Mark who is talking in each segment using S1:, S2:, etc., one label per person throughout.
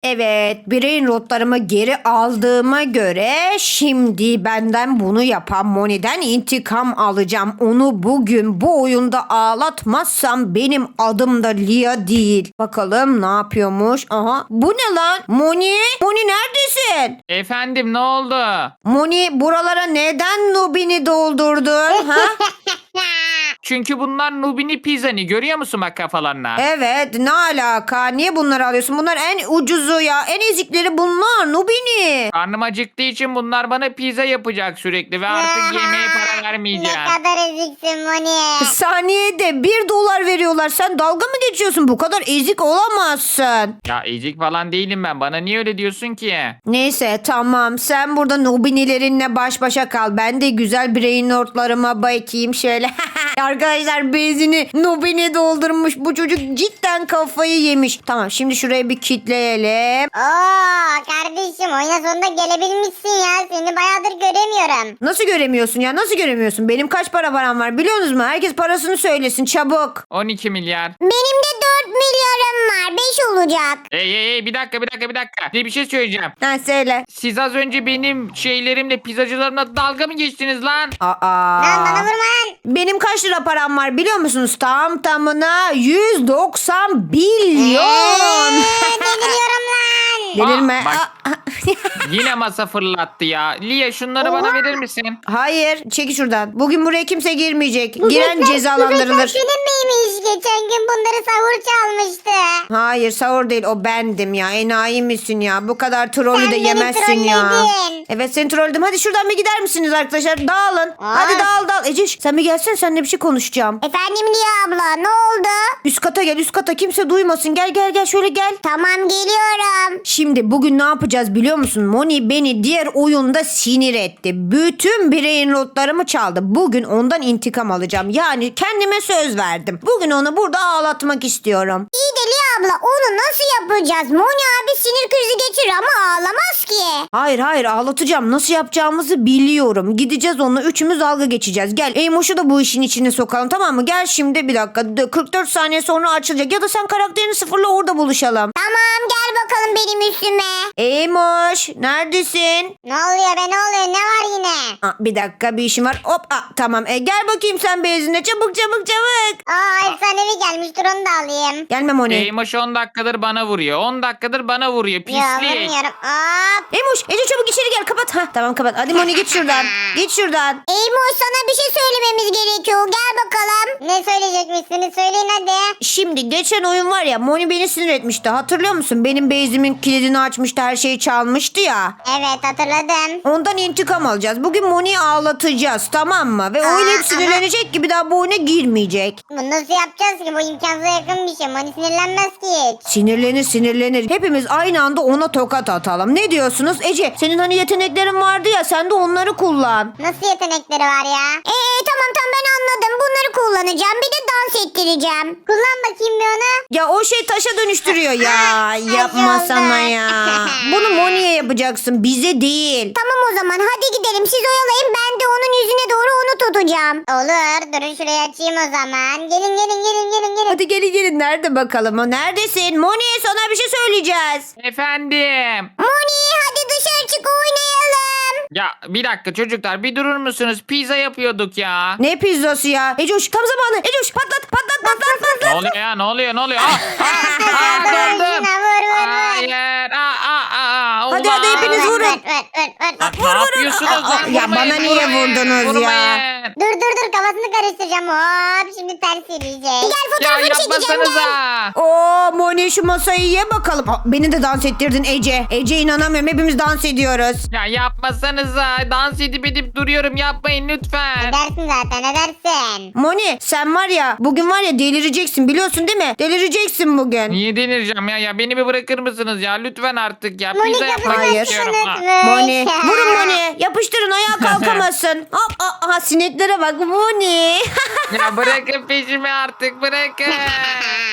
S1: Evet, brain rotlarımı geri aldığıma göre şimdi benden bunu yapan Moni'den intikam alacağım. Onu bugün bu oyunda ağlatmazsam benim adım da Lia değil. Bakalım ne yapıyormuş? Aha, bu ne lan? Moni? Moni neredesin?
S2: Efendim ne oldu?
S1: Moni buralara neden Nubini doldurdun? Ha?
S2: Çünkü bunlar Nubini Pizzani görüyor musun bak kafalarına?
S1: Evet, ne alaka? Niye bunları alıyorsun? Bunlar en ucuzu ya. En ezikleri bunlar. Nubini.
S2: Karnım acıktığı için bunlar bana pizza yapacak sürekli ve artık yemeğe para vermeyeceğim.
S3: Ne kadar eziksin Moni.
S1: Saniyede $1 veriyorlar. Sen dalga mı geçiyorsun? Bu kadar ezik olamazsın.
S2: Ya ezik falan değilim ben. Bana niye öyle diyorsun ki?
S1: Neyse tamam. Sen burada Nubinilerinle baş başa kal. Ben de güzel brain notlarıma bakayım şöyle. Arkadaşlar bezini Nubini doldurmuş. Bu çocuk cidden kafayı yemiş. Tamam şimdi şurayı bir kitleyelim.
S3: Oo kardeşim oyuna sonunda gelebilmişsin ya. Seni bayağıdır göremiyorum.
S1: Nasıl göremiyorsun ya? Nasıl göremiyorsun? Benim kaç param var biliyorsunuz mu? Herkes parasını söylesin çabuk.
S2: 12 milyar.
S3: Benim de 4 milyarım var. 5 olacak.
S2: Bir dakika. Bir şey söyleyeceğim.
S1: Ha söyle.
S2: Siz az önce benim şeylerimle pizzacılarımla dalga mı geçtiniz lan?
S3: Lan bana vurma lan.
S1: Benim kaç lira param var biliyor musunuz? Tam tamına 190 milyon.
S3: Deliriyorum lan.
S1: Delirme.
S2: bak.
S1: Aa,
S2: Yine masa fırlattı ya. Lia şunları bana verir misin?
S1: Hayır çeki şuradan. Bugün buraya kimse girmeyecek. Giren
S3: Bu böcekler
S1: cezalandırılır.
S3: senin miymiş? Geçen gün bunları sahur çalmıştı.
S1: Hayır sahur değil o bendim ya. Enayi misin ya? Bu kadar trolü
S3: Sen
S1: de
S3: beni
S1: yemezsin ya.
S3: trolledin.
S1: Evet seni trolledim. Hadi şuradan bir gider misiniz arkadaşlar? Dağılın. Hadi dağıl. Eceş sen bir gelsene seninle bir şey konuşacağım.
S3: Efendim Liya abla ne oldu?
S1: Üst kata gel üst kata kimse duymasın. Gel şöyle gel.
S3: Tamam geliyorum.
S1: Şimdi bugün ne yapacağız biliyor musun? Moni beni diğer oyunda sinir etti. Bütün brain rotlarımı çaldı. Bugün ondan intikam alacağım. Yani kendime söz verdim. Bugün onu burada ağlatmak istiyorum.
S3: İyi de Liya abla onu nasıl yapacağız? Moni abi sinir krizi geçirir ama ağlamaz ki.
S1: Hayır ağlatacağım. Nasıl yapacağımızı biliyorum. Gideceğiz onunla üçümüz dalga geçeceğiz. Gel Eymoş'u da bu işin içine sokalım tamam mı? Gel şimdi bir dakika. 44 saniye sonra açılacak. Ya da sen karakterini sıfırla orada buluşalım.
S3: Tamam gel bakalım benim üstüme.
S1: Eymoş neredesin?
S3: Ne oluyor be ne oluyor ne var yine?
S1: Bir dakika bir işim var. Hop tamam. Gel bakayım sen bezine. Çabuk.
S3: Aa efsanevi gelmiş dur onu da alayım.
S1: Gelme Moni.
S2: Eymoş 10 dakikadır bana vuruyor. 10 dakikadır bana vuruyor.
S3: Yok
S2: Pislik.
S3: vurmuyorum. Hop.
S1: Eymoş Ece çabuk içeri gel kapat. Tamam kapat. Hadi Moni git şuradan. Git şuradan.
S3: Eymoş sana bir şey söylememiz gerekiyor. Gel bakalım. Ne söyleyecekmişsiniz söyleyin hadi.
S1: Şimdi geçen oyun var ya Moni beni sinir etmişti. Hatırlıyor musun? Benim base'imin kilidini açmıştı. Her şeyi çalmıştı ya.
S3: Evet hatırladım.
S1: Ondan intikam alacağız. Bugün Moni'yi ağlatacağız tamam mı? Ve oyun hep sinirlenecek ki bir daha bu oyuna girmeyecek.
S3: Bunu nasıl yapacağız ki? Bu imkansıza yakın bir şey. Moni sinirlenmez ki hiç.
S1: Sinirlenir. Hepimiz aynı anda ona tokat atalım. Ne diyorsunuz? Ece senin hani yeteneklerin vardı ya sen de onları kullan.
S3: Nasıl yetenekleri var ya? Tamam ben anladım. Bunları kullanacağım. Bir de dans ettireceğim. Kullan bakayım bir onu.
S1: Ya o şey taşa dönüştürüyor ya. Yapma
S3: oldu.
S1: sana ya. Bunu Moni'ye yapacaksın bize değil.
S3: Tamam o zaman hadi gidelim. Siz oyalayın. Ben de onun yüzüne doğru onu tutacağım. Olur. Durun şurayı açayım o zaman. Gelin.
S1: Hadi gelin nerede bakalım o neredesin? Moni sana bir şey söyleyeceğiz.
S2: Efendim.
S3: Moni hadi dışarı çık oynayalım.
S2: Ya bir dakika çocuklar bir durur musunuz? Pizza yapıyorduk ya.
S1: Ne pizzası ya? Ecoş tam zamanı. Ecoş patlat.
S2: Ne oluyor ya? Ne oluyor? Döndüm.
S3: Vur.
S2: Hayır.
S1: Hadi hepiniz vurun.
S2: Ne yapıyorsunuz? lan?
S1: Ya bana niye vurdunuz ya?
S3: Dur kafasını karıştıracağım. Hop şimdi ters yürüyecek. Gel
S2: Ya
S3: fotoğrafını çekeceğim gel.
S2: yapmasanıza.
S1: Oo Moni şu masayı ye bakalım. Beni de dans ettirdin Ece. Ece inanamıyorum hepimiz dans ediyoruz.
S2: Ya yapmasanıza. Dans edip duruyorum. Yapmayın lütfen.
S3: Edersin zaten edersin.
S1: Moni sen var ya bugün var ya delireceksin biliyorsun değil mi? Delireceksin bugün.
S2: Niye denireceğim ya? Ya beni bir bırakır mısınız ya? Lütfen artık ya.
S3: Moni
S2: Pizza yapmak
S1: Hayır.
S2: istiyorum.
S3: kafasını
S1: Moni
S3: tutmuş.
S1: vurun Moni yapıştırın ayağa kalkamazsın. Hop aha sineklere bak Moni.
S2: Ya bırakın peşimi artık bırakın.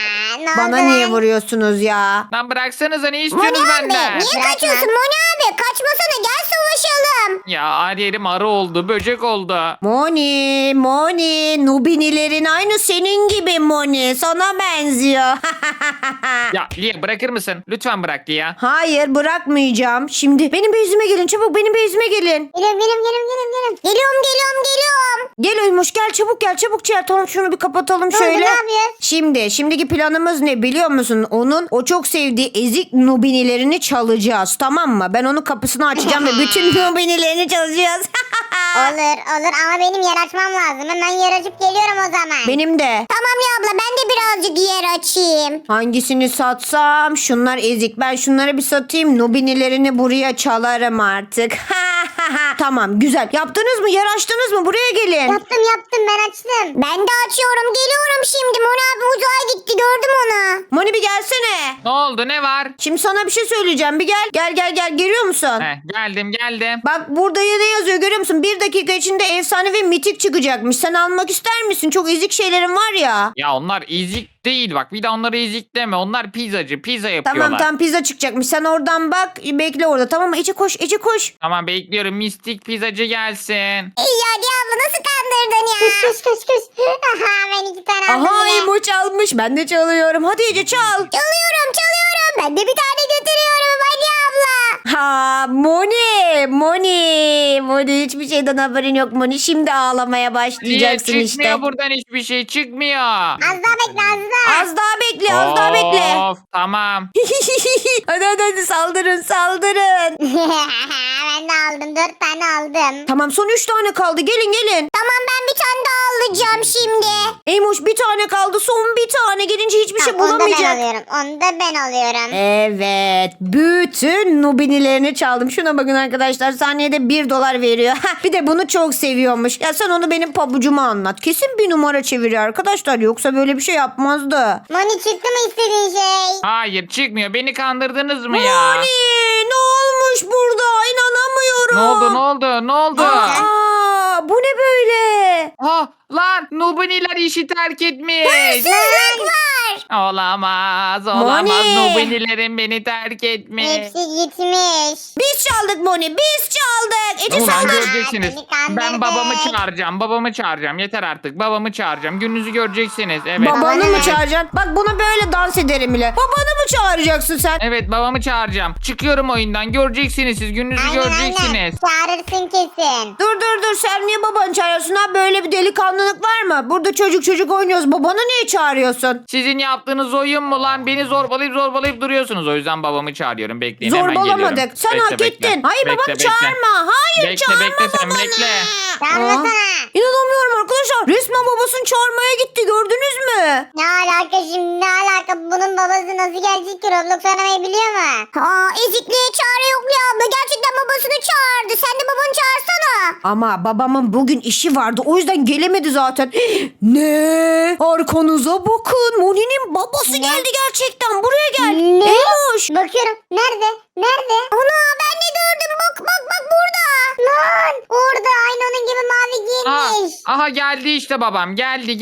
S3: Ne oldu
S1: Bana
S3: lan?
S1: niye vuruyorsunuz ya?
S2: Lan bıraksanıza ne
S3: Moni
S2: istiyorsunuz
S3: abi
S2: benden?
S3: niye
S4: Bırakma.
S3: kaçıyorsun Moni abi? Kaçmasana gel savaşalım.
S2: Ya her yerim arı oldu, böcek oldu.
S1: Moni, Nubinilerin aynı senin gibi Moni. Sana benziyor.
S2: Ya Lia bırakır mısın? Lütfen bırak Lia.
S1: Hayır bırakmayacağım. Şimdi benim bezime gelin çabuk benim bezime gelin.
S3: Geliyorum. Geliyorum.
S1: Gel Ölmüş gel çabuk gel. Tamam şunu bir kapatalım
S3: Ne oldu,
S1: şöyle.
S3: ne yapıyoruz?
S1: Şimdiki planımız ne biliyor musun? O çok sevdiği ezik Nubinilerini çalacağız tamam mı? Ben onun kapısını açacağım ve bütün Nubinilerini çalacağız.
S3: Olur ama benim yer açmam lazım. Hemen yer açıp geliyorum o zaman.
S1: Benim de.
S3: Tamam ya abla ben de birazcık yer açayım.
S1: Hangisini satsam? Şunlar ezik. Ben şunları bir satayım. Nubinilerini buraya çalarım artık. Tamam güzel. Yaptınız mı? Yer açtınız mı? Buraya gelin.
S3: Yaptım ben açtım. Ben de açıyorum geliyorum şimdi. Moni abi uzağa gitti gördüm onu.
S1: Moni bir gelsene.
S2: Ne oldu ne var?
S1: Şimdi sana bir şey söyleyeceğim. Bir gel. Gel. Görüyor musun?
S2: Geldim.
S1: Bak burada ne yazıyor görüyor musun? 1 dakika içinde efsane ve mitik çıkacakmış. Sen almak ister misin? Çok ezik şeylerin var ya.
S2: Ya onlar ezik değil bak. Bir de onları ezik deme. Onlar pizzacı. Pizza yapıyorlar.
S1: Tamam pizza çıkacakmış. Sen oradan bak. Bekle orada tamam mı? Ece koş.
S2: Tamam bekliyorum. Mistik pizzacı gelsin.
S3: İyi hadi abla nasıl kandırdın ya? Kış. Aha ben 2 tane aldım
S1: Aha
S3: bile.
S1: Emo çalmış. Ben de çalıyorum. Hadi Ece çal.
S3: Çalıyorum. Ben de bir tane götürüyorum hadi abla.
S1: Ha Moni hiçbir şeyden haberin yok Moni. Şimdi ağlamaya
S2: Niye
S1: başlayacaksın
S2: çıkmıyor
S1: işte.
S2: buradan hiçbir şey çıkmıyor.
S3: Az daha bekle az daha.
S1: Az daha bekle.
S2: Of tamam.
S1: hadi saldırın.
S3: Ben de aldım 4 tane aldım.
S1: Tamam son 3 tane kaldı. Gelin.
S3: Tamam ben bir tane daha alacağım şimdi.
S1: Eymoş bir tane kaldı. Son bir tane. Gelince hiçbir şey
S3: Tamam,
S1: bulamayacak.
S3: Onu da ben alıyorum.
S1: Evet. Bütün Nubinilerini çaldım. Şuna bakın arkadaşlar. Saniyede $1 veriyor. Bir de bunu çok seviyormuş. Ya sen onu benim pabucuma anlat. Kesin bir numara çeviriyor arkadaşlar. Yoksa böyle bir şey yapmazdı.
S3: Moni çıktı mı istediğin şey?
S2: Hayır çıkmıyor. Beni kandırdınız mı ya?
S1: Moni ne olmuş burada? İnanamıyorum.
S2: Ne oldu?
S1: Aa, bu ne böyle?
S2: Ha lan Nubiniler işi terk etmiş.
S3: Hırsızlık var.
S2: Olamaz.
S1: Moni.
S2: Nubinilerin beni terk etmiş.
S3: Hepsi gitmiş.
S1: Biz çaldık Moni. Biz çaldık. Ece
S2: Ulan
S1: sen de.
S2: göreceksiniz.
S3: Beni kandırdın.
S2: Ben babamı çağıracağım. Yeter artık. Babamı çağıracağım. Gününüzü göreceksiniz. Evet.
S1: Babanı mı
S3: ne?
S1: çağıracaksın? Bak buna böyle dans ederim bile. Babanı mı çağıracaksın sen?
S2: Evet babamı çağıracağım. Çıkıyorum oyundan. Göreceksiniz siz. Gününüzü göreceksiniz.
S3: Çağırırsın kesin.
S1: Dur sen niye babanı çağırıyorsun ha? Böyle bir delikanlılık var mı? Burada çocuk oynuyoruz. Babanı niye çağırıyorsun?
S2: Sizin yaptığınız oyun mu lan? Beni zorbalayıp duruyorsunuz. O yüzden babamı çağırıyorum. Bekleyin hemen
S1: Zorbalamadık.
S2: geliyorum.
S1: Sen hak ettin. Hayır babanı çağırma. Hayır çağırma
S2: Bekle sen
S1: babanı.
S2: bekle.
S3: Çağırmasana.
S1: İnanamıyorum arkadaşlar. Resmen babasını çağırmaya gitti. Gördünüz mü?
S3: Ne alaka şimdi ne alaka? Bunun babası nasıl gelecek ki? Roblox oynamayı biliyor mu? Aa ezikliğe çare yok ya abla. Gerçekten babasını çağırdı. Sen de babanı çağırsana.
S1: Ama babamın bugün işi vardı. O yüzden gelemedi zaten. Ne? Arkanıza bakın. Moni'nin babası geldi gerçekten. Buraya gel.
S3: Ne?
S1: Eymoş.
S3: Bakıyorum. Nerede? Ana ben de gördüm. Bak burada. Lan orada aynı onun gibi mavi giyinmiş.
S2: Aha geldi işte babam. Geldi.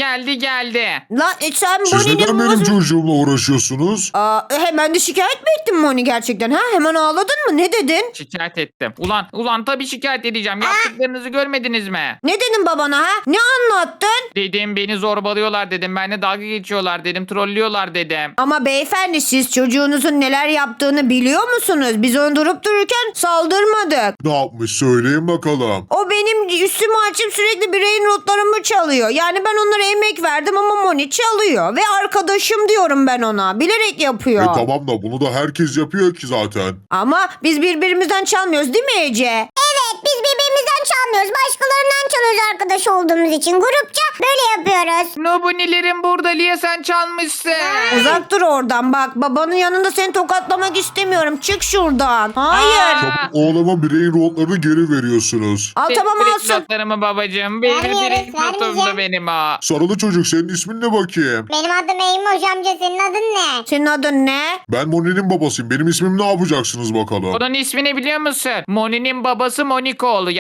S1: Lan sen
S5: Siz neden
S1: Moni'nin
S5: benim
S1: babası...
S5: çocuğumla uğraşıyorsunuz?
S1: Hemen de şikayet mi ettin Moni gerçekten? Ha? Hemen ağladın mı? Ne dedin?
S2: Şikayet ettim. Ulan tabii şikayet edeceğim. Yaptıklarınızı görmediniz mi?
S1: Ne dedin babana ha? Ne anlattın?
S2: Dedim beni zorbalıyorlar dedim. Benimle dalga geçiyorlar dedim. Trollüyorlar dedim.
S1: Ama beyefendi siz çocuğunuzun neler yaptığını biliyor musunuz? Biz onu durup dururken saldırmadık.
S5: Ne yapmış söyleyin bakalım.
S1: O benim üstümü açıp sürekli bireyin notlarımı çalıyor. Yani ben onlara emek verdim ama Moni çalıyor. Ve arkadaşım diyorum ben ona. Bilerek yapıyor.
S5: Tamam da bunu da herkes yapıyor ki zaten.
S1: Ama biz birbirimizden çalmıyoruz değil mi Ece?
S3: Evet biz birbirimizden çalmıyoruz. Başkalarından çalıyoruz arkadaş olduğumuz için. Grupça böyle yapıyoruz.
S2: Nubunilerin burada Lia sen çalmışsın.
S1: Uzak dur oradan bak. Babanın yanında seni tokatlamak istemiyorum. Çık şuradan. Hayır.
S2: Aa.
S5: Çabuk oğlama bireyin notlarını geri veriyorsunuz.
S1: Al tamam
S2: Direkt
S1: alsın.
S2: notlarımı babacığım. Benim
S3: Vermiyoruz,
S2: direkt notumdu
S3: vermeyeceğim.
S2: benim o.
S5: Sarılı çocuk senin ismin ne bakayım?
S3: Benim adım Eymoş amca senin adın ne?
S1: Senin adın ne?
S5: Ben Moni'nin babasıyım. Benim ismim ne yapacaksınız bakalım?
S2: Onun ismini biliyor musun? Moni'nin babası Monikoğlu. Yani cidden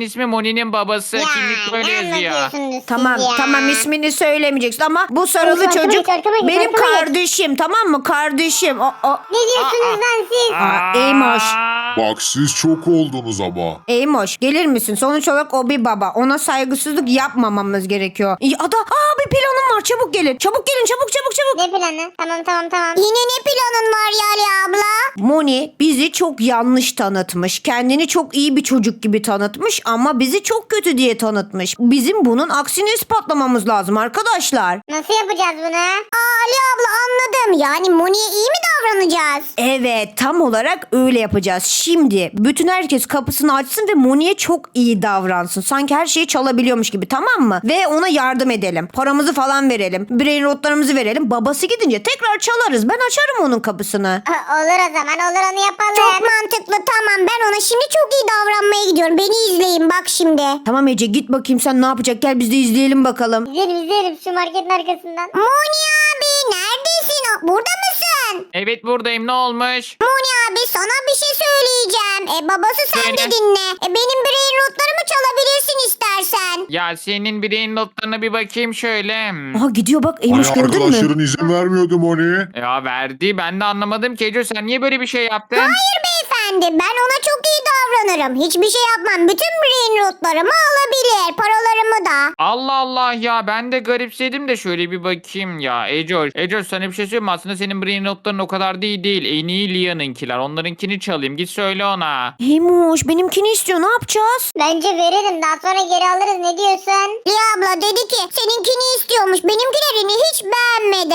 S2: ismi Moni'nin babası. Kimlik böyle
S3: ne
S2: yazıyor.
S3: anlatıyorsunuz siz
S1: Tamam
S3: ya?
S1: tamam ismini söylemeyeceksin ama bu sarılı
S3: Arkama
S1: çocuk
S3: geç, arkama geç,
S1: benim
S3: arkama geç.
S1: kardeşim, tamam mı? Kardeşim.
S3: Ne diyorsunuz lan siz?
S1: Eymoş.
S5: Bak siz çok oldunuz ama.
S1: Eymoş gelir misin? Sonuç olarak o bir baba. Ona saygısızlık yapmamamız gerekiyor. Bir planım var, çabuk gelin. Çabuk gelin, çabuk çabuk çabuk.
S3: Ne planı? Tamam. Yine ne planın var Yali abla?
S1: Moni bizi çok yanlış tanıtmış. Kendini çok iyi bir çocuk gibi tanıtmış ama bizi çok kötü diye tanıtmış. Bizim bunun aksini ispatlamamız lazım arkadaşlar.
S3: Nasıl yapacağız bunu? Ali abla anladım. Yani Moni'ye iyi mi davranacağız?
S1: Evet, tam olarak öyle yapacağız. Şimdi bütün herkes kapısını açsın ve Moni'ye çok iyi davransın. Sanki her şeyi çalabiliyormuş gibi, tamam mı? Ve ona yardım edelim. Paramızı falan verelim. Brain rotlarımızı verelim. Babası gidince tekrar çalarız. Ben açarım onun kapısını.
S3: Olur o zaman olur onu yapalım. Çok mantıklı tamam ben ona şimdi çok iyi davranmaya gidiyorum. Beni izleyin bak şimdi.
S1: Tamam Ece, git bakayım sen ne yapacak. Gel biz de izleyelim bakalım.
S3: İzlerim şu marketin arkasından. Moni abi neredesin? Burada mısın?
S2: Evet buradayım, ne olmuş?
S3: Moni abi sana bir şey söyleyeceğim. Babası sen de
S2: Söyle.
S3: dinle. Benim brain notlarımı çalabilirsin istersen.
S2: Ya senin bireyin notlarına bir bakayım şöyle.
S1: Aha gidiyor bak,
S5: Hani
S1: Eymoş gördün mü?
S5: arkadaşların izin vermiyordu Moni.
S2: Ya verdi, ben de anlamadım ki. Ece sen niye böyle bir şey yaptın?
S3: Hayır beyefendi ben ona çok iyi davranırım. Hiçbir şey yapmam. Bütün brain notlarımı alabilir. Paralarımı da.
S2: Allah Allah ya, ben de garipsedim de şöyle bir bakayım ya. Ece sana bir şey söyleyeyim mi? Aslında senin brain notların o kadar değil. En iyi Lia'nınkiler. Onlarınkini çalayım. Git söyle ona.
S1: Eymoş benimkini istiyor, ne yapacağız?
S3: Bence verelim daha sonra geri alırız ne diyorsun? Liya abla dedi ki seninkini istiyormuş. Benimkilerini hiç beğenmedi.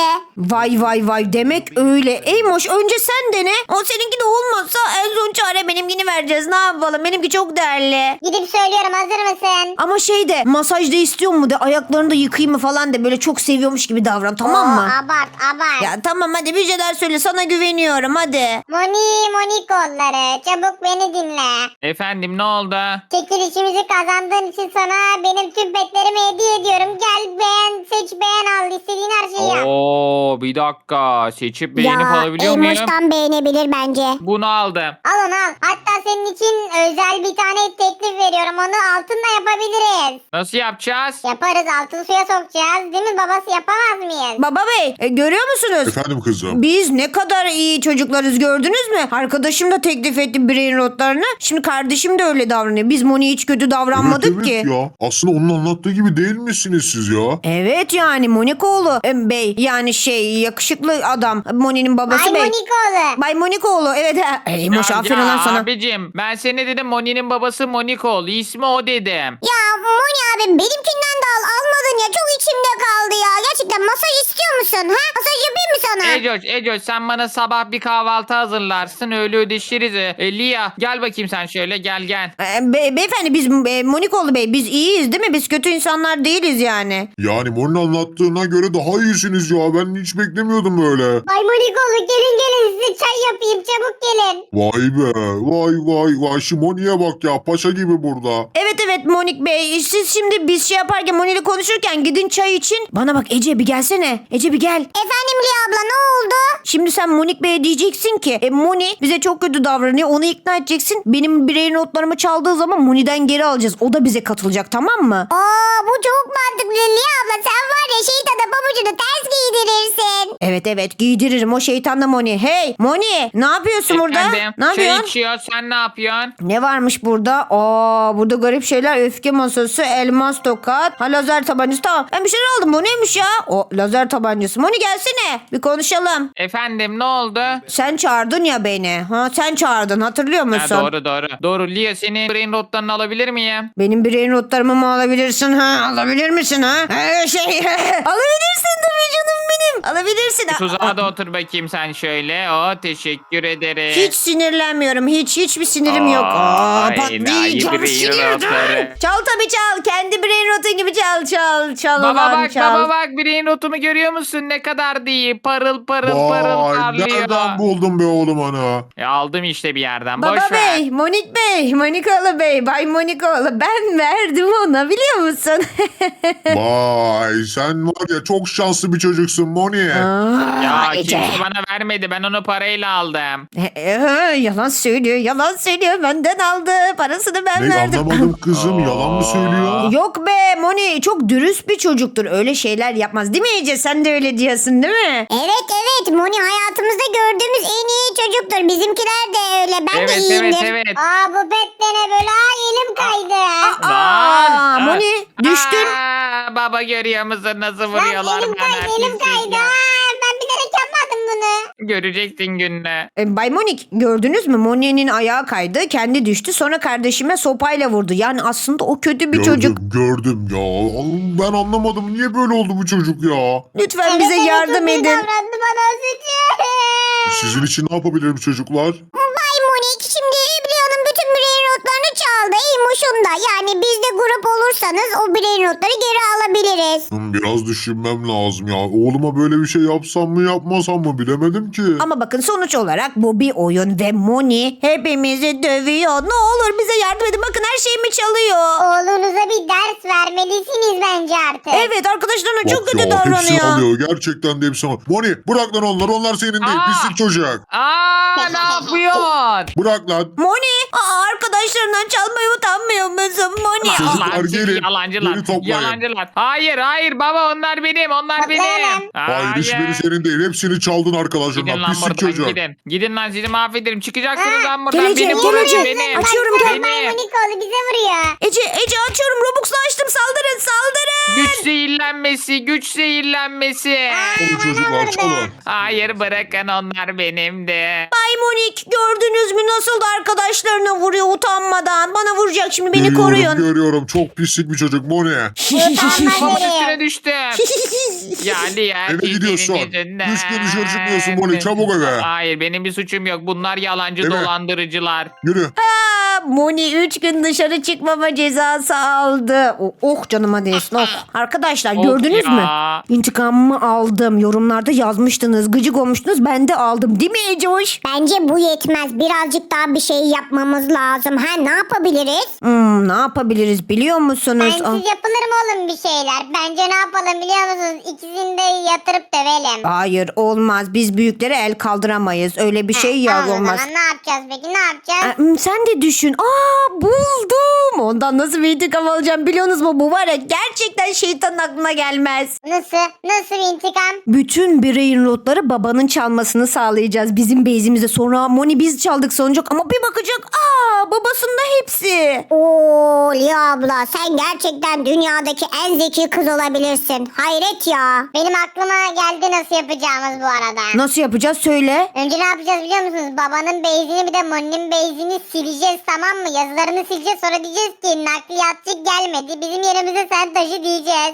S1: Vay demek öyle. Eymoş önce sen dene. O seninki de olmazsa en son çare benimkini vereceğiz. Ne yapalım? Benimki çok değerli.
S3: Gidip söylüyorum hazır mısın?
S1: Ama şey de, masajda istiyor mu de, ayaklarını da yıkayayım mı falan de, böyle çok seviyormuş gibi davran, tamam mı?
S3: Abart.
S1: Ya tamam hadi bir şeyler söyle, sana güveniyorum hadi.
S3: Moni kolları çabuk beni dinle.
S2: Efendim ne oldu?
S3: Çekilişimizi kazandığın için sana benim tüm petlerimi hediye ediyorum. Gel beğen seç beğen al istediğin her şeyi yap.
S2: Oo bir dakika. Seçip beğenip alabiliyor muyum?
S3: beğenebilir bence.
S2: Bunu aldım.
S3: Al onu al. Hatta senin için özel bir tane teklif veriyorum. Onu altınla yapabiliriz.
S2: Nasıl yapacağız?
S3: Yaparız altın suya sokacağız. Değil mi babası yapamaz mıyız?
S1: Baba bey görüyor musunuz?
S5: Efendim kızım.
S1: Biz ne kadar iyi çocuklarız, gördünüz mü? Arkadaşım da teklif etti brain rotlarını. Şimdi kardeşim de öyle davranıyor. Biz Moni'ye hiç kötü davranmadık
S5: Evet,
S1: ki.
S5: ya. Aslında onun anlattığı gibi değil misiniz siz ya?
S1: Evet yani Monikoğlu bey, yani yakışıklı adam, Moni'nin babası
S3: Ay
S1: bey.
S3: Monikoğlu.
S1: Bay Monikoğlu evet. Eymoş aferin lan sana.
S2: Abicim ben seni dedim, Moni'nin babası Monikoğlu. İsmi o dedim.
S3: Ya Moni abi benimkinden de al. Almadın ya çok içimde kaldı ya. Gerçekten masaj istiyor musun? Ha? Masaj yapayım mı sana?
S2: Ecoş sen bana sabah bir kahvaltı hazırlarsın, öyle ödeşiriz. Lia gel bakayım sen şöyle, gel.
S1: Beyefendi biz Monikoğlu bey, biz iyiyiz değil mi? Biz kötü insanlar değiliz yani.
S5: Yani Moni'nin anlattığına göre daha iyisiniz ya. Ben hiç beklemiyordum böyle.
S3: Ay Monikoğlu gelin size çay yapayım çabuk gelin.
S5: Vay be. Vay. Şu Moni'ye bak ya. Paşa gibi burada.
S1: Evet Monik bey, siz şimdi biz şey yaparken, Moni'yle konuşurken gidin çay için. Bana bak Ece, bir gelsene. Ece bir gel.
S3: Efendim Liya abla ne oldu?
S1: Şimdi sen Monik Bey'e diyeceksin ki Moni bize çok kötü davranıyor, onu ikna edeceksin. Benim birey notlarımı çaldığı zaman Moni'den geri alacağız. O da bize katılacak, tamam mı?
S3: Bu çok mantıklı Liya abla. Sen var ya şeytana pabucunu ters giydirirsin.
S1: Evet giydiririm, o şeytan da Moni. Hey Moni, ne yapıyorsun burada?
S2: Efendim,
S1: Ne
S2: çay
S1: yapıyorsun?
S2: içiyor, sen ne yapıyorsun?
S1: Ne varmış burada? Burada garip şeyler. Öfke masası, elmas tokat, lazer tabancası. Tamam, ben bir şeyler aldım. Bu neymiş ya? O lazer tabancası. Moni gelsene, bir konuşalım.
S2: Efendim ne oldu?
S1: Sen çağırdın ya beni. Sen çağırdın, hatırlıyor musun?
S2: Ha, doğru. Lia senin brain notlarını alabilir miyim?
S1: Benim birey notlarımı mı alabilirsin ha? Alabilir misin ha? Alabilirsin tabii canım benim. Alabilirsin.
S2: Tuzağa da otur bakayım sen şöyle. Teşekkür ederim.
S1: Hiç sinirlenmiyorum. Hiçbir sinirim yok. Patlayacağım sinirden. Çal tabii çal. Kendi birey notun gibi çal.
S2: Baba bak brain notumu görüyor musun? Ne kadar değil. Parıl
S5: Vay.
S2: parlıyor.
S5: Nereden buldun be oğlum onu?
S2: Aldım işte bir yerden.
S1: Baba
S2: Boş ver.
S1: bey, Monik bey, Monikoğlu bey, Bay Monikoğlu. Ben verdim ona, biliyor musun?
S5: Vay. Sen var ya çok şanslı bir çocuksun Moni.
S2: Ya
S1: Ece.
S2: kimse bana vermedi. Ben onu parayla aldım.
S1: Yalan söylüyor. Benden aldı. Parasını ben
S5: Ne
S1: verdim.
S5: anlamadım kızım, yalan mı söylüyor?
S1: Yok be Moni çok dürüst bir çocuktur. Öyle şeyler yapmaz. Değil mi Ece? Sen de öyle diyorsun değil mi?
S3: Evet Moni hayatımızda gördüğümüz en iyi çocuktur. Bizimkiler de öyle. Ben de
S2: Evet
S3: iyiyimdir.
S2: evet evet.
S3: Aa bu pet de ne böyle? Ay elim kaydı.
S1: Aa, Moni düştün.
S2: Baba görüyor musun nasıl
S3: Lan
S2: vuruyorlar
S3: elim
S2: bana?
S3: kaydı elim
S2: pislik
S3: kaydı.
S2: ya.
S3: Aa, ben bilerek yapmadım bunu.
S2: Göreceksin gününü.
S1: Bay Monik gördünüz mü? Moni'nin ayağı kaydı. Kendi düştü. Sonra kardeşime sopayla vurdu. Yani aslında o kötü bir çocuk.
S5: Gördüm ya. Ben anlamadım. Niye böyle oldu bu çocuk ya?
S1: Lütfen bize yardım
S3: çok iyi
S1: edin.
S3: davrandı bana sütü.
S5: Sizin için ne yapabilirim çocuklar?
S3: Bay Monik şimdi Leon'un bütün brain notlarını çaldı. İyimoş'un da. Yani biz de grup olursanız o brain notları geri alabiliriz.
S5: Biraz düşünmem lazım ya. Oğluma böyle bir şey yapsam mı yapmasam mı bilemedim ki.
S1: Ama bakın sonuç olarak bu bir oyun ve Moni hepimizi dövüyor. Ne olur bize yardım edin. Bakın her şeyimi çalıyor.
S3: Oğlunuza bir ders vermelisiniz bence artık.
S1: Evet arkadaşlarına çok
S5: Bak
S1: kötü
S5: ya, hepsini
S1: davranıyor.
S5: alıyor. Gerçekten de hepsini alıyor. Moni bırak lan onları. Onlar senin değil.
S2: Aa!
S5: Pislik çocuk.
S2: Ne yapıyorsun?
S5: Bırak lan.
S1: Moni arkadaşlarından çalmayı utanmıyor musun Moni?
S5: Çocuklar
S2: Allah'ın sizi
S5: gelin.
S2: yalancılar.
S5: Geri toplayın.
S2: Yalancılar. Hayır baba onlar benim. Onlar
S3: Toplayalım.
S2: benim.
S5: Hayır hiçbiri senin değil. Hepsini çaldın
S2: Gidin
S5: arkadaşlarından.
S2: lan
S5: Pislik
S2: buradan
S5: çocuk.
S2: gidin. Gidin lan sizi mahvederim. Çıkacaksınız
S3: Ha,
S2: lan buradan.
S1: geleceğim,
S2: Benim burası
S1: geleceğim.
S2: benim.
S1: Açıyorum,
S3: Baksana,
S1: gel.
S3: Bay Monik oldu bize vuruyor.
S1: Ece açıyorum. Robux'la açtım. Saldırın saldırın.
S2: Güç zehirlenmesi. Güç zehirlenmesi.
S5: Çalın çocuklar çalın.
S2: Hayır bırakın onlar benim de.
S1: Bay Monik gördünüz mü nasıl da arkadaşlarına vuruyor utanmadan. Bana vuracak şimdi beni
S5: Görüyorum,
S1: koruyun.
S5: görüyorum. Çok pislik bir çocuk. Moni.
S2: Babamın
S3: Nereye?
S2: üstüne düştüm. Yani ya.
S5: Eve gidiyorsun.
S2: yüzünden.
S5: 3 gün dışarı çıkmıyorsun Moni. Çabuk eve.
S2: Hayır benim bir suçum yok. Bunlar yalancı
S5: Eve.
S2: dolandırıcılar.
S5: Yürü.
S1: Moni 3 gün dışarı çıkmama cezası aldı. Oh canıma değsin. Oh. Arkadaşlar
S2: Of
S1: gördünüz
S2: ya.
S1: mü? İntikamımı aldım. Yorumlarda yazmıştınız. Gıcık olmuştunuz. Ben de aldım. Değil mi Ecoş?
S3: Bence bu yetmez. Birazcık daha bir şey yapmamız lazım. Ha ne yapabiliriz?
S1: Ne yapabiliriz biliyor musunuz?
S3: Bensiz yapılır mı oğlum bir şeyler? Bence ne yapalım biliyor musunuz? İkisini de yatırıp dövelim.
S1: Hayır olmaz. Biz büyüklere el kaldıramayız. Öyle bir şey ya
S3: Tamam, o
S1: olmaz.
S3: zaman ne yapacağız peki ne yapacağız?
S1: Sen de düşün. Buldum. Ondan nasıl bir intikam alacağım biliyorsunuz mu? Bu var ya gerçekten şeytanın aklına gelmez.
S3: Nasıl bir intikam?
S1: Bütün brain rotları babanın çalmasını sağlayacağız bizim base'imizde. Sonra Moni biz çaldık sanacak ama bir bakacak. Babasında hepsi.
S3: Oo Lia abla sen gerçekten dünyadaki en zeki kız olabilirsin. Hayret ya. Benim aklıma geldi nasıl yapacağımız bu arada.
S1: Nasıl yapacağız söyle.
S3: Önce ne yapacağız biliyor musunuz? Babanın beyzini bir de Moni'nin beyzini sileceğiz tamam mı? Yazılarını sileceğiz sonra diyeceğiz ki nakliyatçı gelmedi. Bizim yerimize sen taşı diyeceğiz.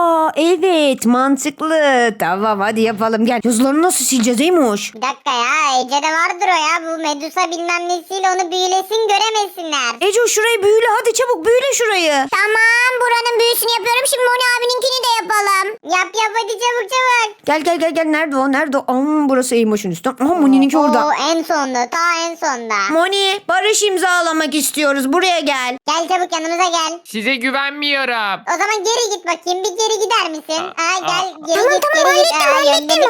S1: Evet mantıklı. Tamam hadi yapalım gel. Yazılarını nasıl sileceğiz Eymoş?
S3: Bir dakika ya Ece'de vardır o ya. Bu Medusa bilmem nesiyle onu büyülesin göremesinler.
S1: Ece şurayı büyüle hadi çabuk büyüle şurayı.
S3: Tamam buranın büyüsünü yapıyorum. Şimdi Moni abininkini de yapalım. Yap hadi çabuk çabuk.
S1: Gel nerede o nerede o? Burası Eymoş'un üstü. Moni'ninki orada.
S3: Oo, en sonda ta en sonda.
S1: Moni barış imzalamak istiyoruz buraya gel.
S3: Gel çabuk yanımıza gel.
S2: Size güvenmiyorum.
S3: O zaman geri git bakayım. Bir geri gider misin? Gel geri
S1: Tamam,
S3: git.
S1: tamam,
S3: geri git.
S1: hallettim.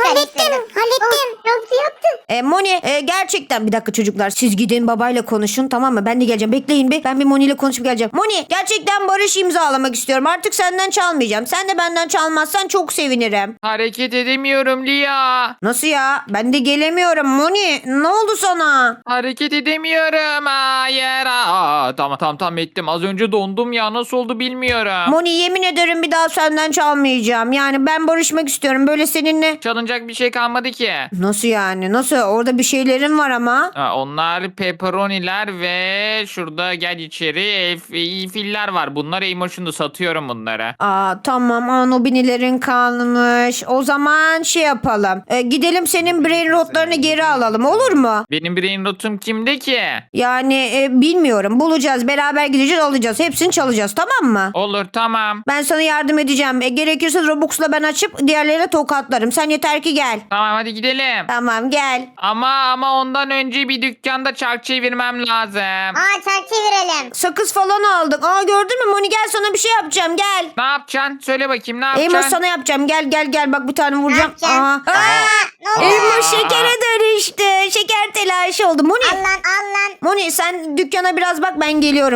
S3: Yaptım.
S1: Moni gerçekten bir dakika çocuklar siz gidin babayla konuşun tamam mı? Ben de geleceğim bekleyin bir ben bir Moni ile konuşup geleceğim. Moni gerçekten barış imzalamak istiyorum artık senden çalmayacağım. Sen de benden çalmazsan çok sevinirim.
S2: Hareket edemiyorum Lia.
S1: Nasıl ya? Ben de gelemiyorum Moni. Ne oldu sana?
S2: Hareket edemiyorum. Hayır. Tamam ettim. Az önce dondum ya. Nasıl oldu bilmiyorum.
S1: Moni yemin ederim bir daha senden çalmayacağım. Yani ben barışmak istiyorum böyle seninle.
S2: Çalınacak bir şey kalmadı ki.
S1: Nasıl yani? Nasıl? Orada bir şeylerin var ama.
S2: Onlar pepperoniler ve şurada gel içeri filler var. Bunlar Emotion'da satıyorum bunları.
S1: Tamam Nobinilerin kalmış. O zaman şey yapalım. Gidelim senin brain rotlarını geri alalım olur mu?
S2: Benim brain rotum kimde ki?
S1: Yani bilmiyorum. Bulacağız. Beraber gideceğiz alacağız. Hepsini çalacağız tamam mı?
S2: Olur tamam.
S1: Ben sana yardım edeceğim. Gerekirse Robux'la ben açıp diğerlerine tokatlarım. Sen yeter ki gel.
S2: Tamam hadi gidelim.
S1: Tamam gel.
S2: Ama ondan önce bir dükkanda çark çevirmem lazım.
S3: Çark çevirelim.
S1: Sakız falan aldık. Gördün mü Moni gel sana bir şey yapacağım gel.
S2: Ne yapacaksın? Söyle bakayım ne
S1: Elmas
S2: yapacaksın?
S1: sana yapacağım. Gel bak bir tane vuracağım.
S3: yapacaksın? Ne oldu?
S1: Elmas şekere dönüştü. Şeker telaşı oldu. Moni.
S3: Al lan.
S1: Moni sen dükkana biraz bak ben geliyorum şimdi.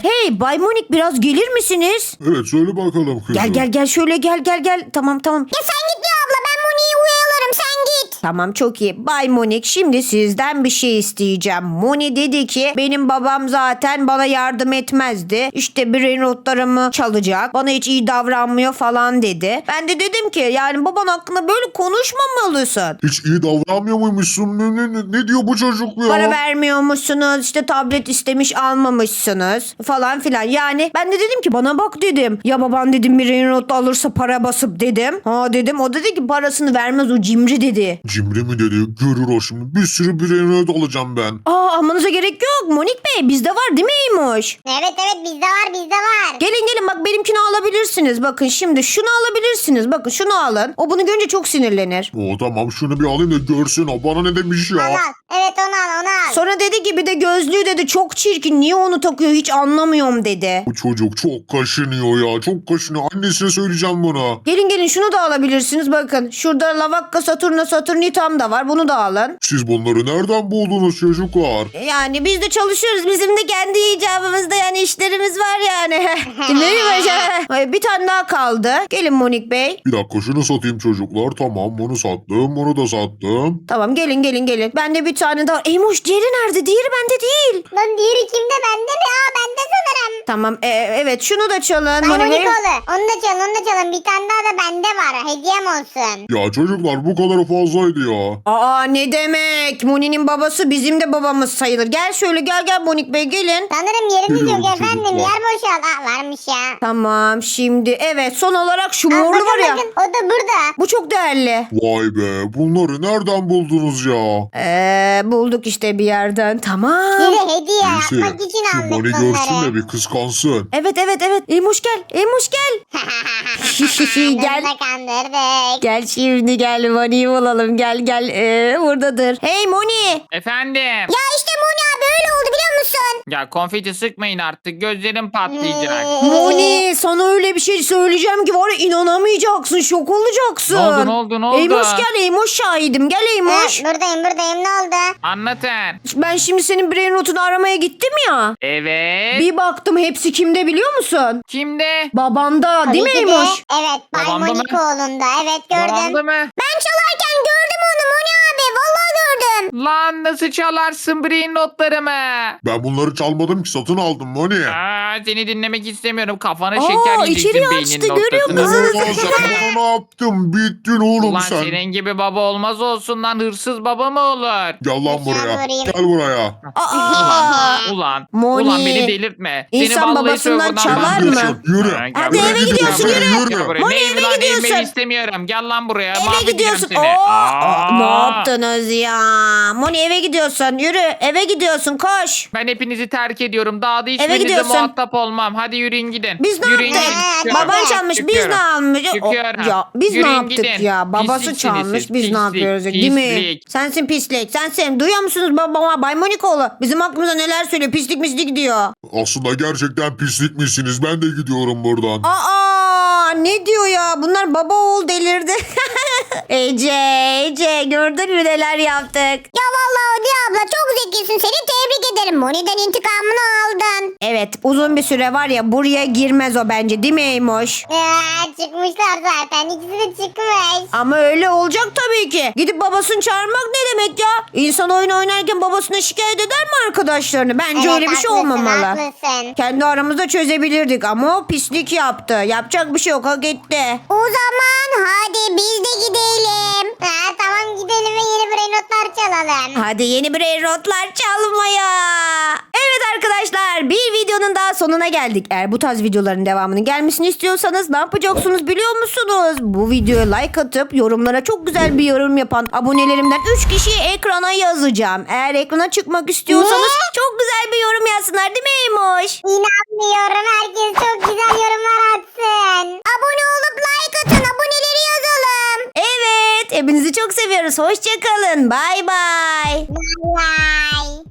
S1: Hey Bay Monik biraz gelir misiniz?
S5: Evet söyle bakalım kızım.
S1: Gel şöyle gel. Tamam.
S3: Ya sen git ya abla, ben Moni'yi uyalarım, sen git.
S1: Tamam çok iyi. Bay Monik şimdi sizden bir şey isteyeceğim. Moni dedi ki benim babam zaten bana yardım etmezdi. İşte brain rotlarımı çalacak. Bana hiç iyi davranmıyor falan dedi. Ben de dedim ki yani baban hakkında böyle konuşmamalısın.
S5: Hiç iyi davranmıyor muymuşsun? Ne diyor bu çocuk ya?
S1: Para vermiyormuşsunuz, işte tablet istemiş almamışsınız falan filan. Yani ben de dedim ki bana bak dedim. Ya baban dedim brain rot alırsa para basıp dedim. Ha dedim, o dedi ki parasını vermez, o cimri dedi.
S5: Cimri mi dedi? Görür o şimdi. Bir sürü brain rot alacağım ben.
S1: Almanıza gerek yok Monik Bey, bizde var değil mi Eymoş?
S3: Evet bizde var.
S1: Gelin bak benimkini alabilirsiniz. Bakın şimdi şunu alabilirsiniz. Bakın şunu alın. O bunu görünce çok sinirlenir.
S5: O tamam şunu bir alayım da görsün o bana ne demiş ya.
S3: Al. Evet onu al.
S1: Sonra dedi ki bir de gözlüğü dedi çok çirkin. Niye onu takıyor hiç anlamıyorum dedi.
S5: Bu çocuk çok kaşınıyor ya. Çok kaşınıyor. Annesine söyleyeceğim bunu.
S1: Gelin şunu da alabilirsiniz. Bakın şurada Lavakka Saturnitam da var. Bunu da alın.
S5: Siz bunları nereden buldunuz çocuklar?
S1: Yani biz de çalışıyoruz. Bizim de kendi icabımızda yani işlerimiz var yani. Değil mi Başa? Bir tane daha kaldı. Gelin Monik Bey.
S5: Bir dakika şunu satayım çocuklar. Tamam bunu sattım. Bunu da sattım.
S1: Tamam gelin. Ben de bir tane daha. Eymoş diğeri nerede? Diğeri bende değil.
S3: Lan diğeri kimde, bende mi? Bende sanırım.
S1: Tamam evet şunu da çalın.
S3: Bay
S1: Monik Bey.
S3: Monikoğlu. Onu da çalın. Bir tane daha da bende var. Hediyem olsun.
S5: Ya çocuklar bu kadar fazlaydı ya.
S1: Aa ne demek? Moni'nin babası bizim de babamız sayılır. Gel şöyle gel Monik Bey gelin.
S3: Sanırım yerimiz
S5: Biliyorum
S3: yok efendim.
S5: çocuklar.
S3: Yer boşal. Varmış ya.
S1: Tamam şimdi evet son olarak şu
S3: Aa,
S1: morlu var ya.
S3: bakın, o da burada.
S1: Bu çok değerli.
S5: Vay be bunları nereden buldunuz ya?
S1: Bulduk işte bir yerden. Tamam.
S3: Yine hediye
S5: Neyse
S3: yapmak için
S5: şu
S3: aldık
S5: Moni
S3: bunları.
S5: görsün de bir kıskansın.
S1: Evet. Eymuş gel. Gel.
S3: Bunu da kandırdık.
S1: Gel şimdi gel Moni'yi bulalım. Gel. Buradadır. Hey Moni.
S2: Efendim.
S3: Ya işte Moni abi öyle oldu biliyor musun?
S2: Ya konfeti sıkmayın artık. Gözlerim patlayacak.
S1: Moni sana öyle bir şey söyleyeceğim ki var ya inanamayacaksın. Şok olacaksın.
S2: Ne oldu?
S1: Eymuş gel. Eymuş şahidim. Gel Eymuş.
S3: Buradayım ne oldu?
S2: Anlatın.
S1: Ben şimdi senin brain rotunu aramaya gittim ya.
S2: Evet.
S1: Bir baktım hepsi kimde biliyor musun?
S2: Kimde?
S1: Babanda değil mi
S3: Tabii ki de.
S1: Eymuş?
S3: Evet Bay
S2: Babamda mı?
S3: Monikoğlu'nda. Evet gördüm.
S2: Babamda mı?
S3: Ben çalarken gördüm onu Moni abi. Vallahi gördüm.
S2: Lan nasıl çalarsın brain notlarımı?
S5: Ben bunları çalmadım ki satın aldım Moni.
S2: Seni dinlemek istemiyorum. Kafana
S1: Aa,
S2: şeker yiyeceksin
S1: içeri
S2: beynin
S1: açtı, görüyor
S2: noktasına.
S1: musun?
S5: Ulan sen bana ne yaptın? Bittin oğlum
S2: Ulan
S5: sen.
S2: senin gibi baba olmaz olsun lan, hırsız baba mı olur?
S5: Gel lan buraya.
S3: vurayım.
S5: Gel buraya.
S2: Ulan
S1: Moni.
S2: beni delirtme.
S1: İnsan
S2: Seni vallahi
S1: babasından
S2: serverdan
S1: çalar
S2: ben-
S1: mı?
S5: Yürü, yürü.
S2: Ha, gel
S1: Hadi
S2: buraya.
S1: eve
S5: Gel
S1: gidiyorsun,
S5: buraya,
S1: yürü.
S2: Gel buraya.
S1: Moni,
S2: Ne
S1: eve
S2: evi lan,
S1: gidiyorsun.
S2: evimi istemiyorum. Gel lan buraya.
S1: Eve
S2: Mahvedeceğim
S1: gidiyorsun.
S2: seni.
S1: Ne yaptınız ya? Moni eve gidiyorsun. Yürü eve gidiyorsun koş.
S2: Ben hepinizi terk ediyorum. Daha da
S1: Eve
S2: hiçbirinizle
S1: gidiyorsun.
S2: muhatap olmam. Hadi yürüyün gidin.
S1: Biz ne
S2: Yürüyün
S1: yaptık?
S2: gidin. Çıkıyorum.
S1: Baban çalmış biz
S2: Çıkıyorum.
S1: ne almış?
S2: Çıkıyorum.
S1: Ya biz ne
S2: Yürüyün
S1: yaptık
S2: gidin.
S1: ya? Babası
S2: Pisliksiniz
S1: çalmış
S2: siz.
S1: biz ne
S2: Pislik,
S1: yapıyoruz? Değil mi?
S2: pislik.
S1: Sensin pislik. Sensin. Duyuyor musunuz babama? Bay Monikoğlu. Bizim aklımıza neler söylüyor? Pislik diyor.
S5: Aslında gerçekten pislik misiniz? Ben de gidiyorum buradan.
S1: Aa ne diyor ya? Bunlar baba oğul delirdi. Ece gördün mü neler yaptık?
S3: Ya vallahi Odi abla çok zekisin. Seni tebrik ederim. Moni'den intikamını aldın.
S1: Evet uzun bir süre var ya buraya girmez o bence değil mi Eymoş?
S3: Çıkmışlar zaten. İkisi de çıkmış.
S1: Ama öyle olacak tabii ki. Gidip babasını çağırmak ne demek ya? İnsan oyun oynarken babasına şikayet eder mi arkadaşlarını? Bence öyle bir şey
S3: haklısın,
S1: olmamalı.
S3: haklısın.
S1: Kendi aramızda çözebilirdik ama o pislik yaptı. Yapacak bir şey yok hak etti.
S3: O zaman hadi biz de gidelim. Tamam gidelim ve yeni brain notlar çalalım.
S1: Hadi yeni brain rotlar çalmaya. Evet arkadaşlar bir videonun daha sonuna geldik. Eğer bu tarz videoların devamının gelmesini istiyorsanız ne yapacaksınız biliyor musunuz? Bu videoya like atıp yorumlara çok güzel bir yorum yapan abonelerimden 3 kişiyi ekrana yazacağım. Eğer ekrana çıkmak istiyorsanız çok güzel bir yorum yazsınlar değil mi Eymoş?
S3: İnanmıyorum. Herkes çok güzel yorumlar atsın. Abone olup like atın. Aboneleri yazalım.
S1: Evet hepinizi çok seviyoruz. Hoşçakalın. Bay bay.
S3: Bye bye.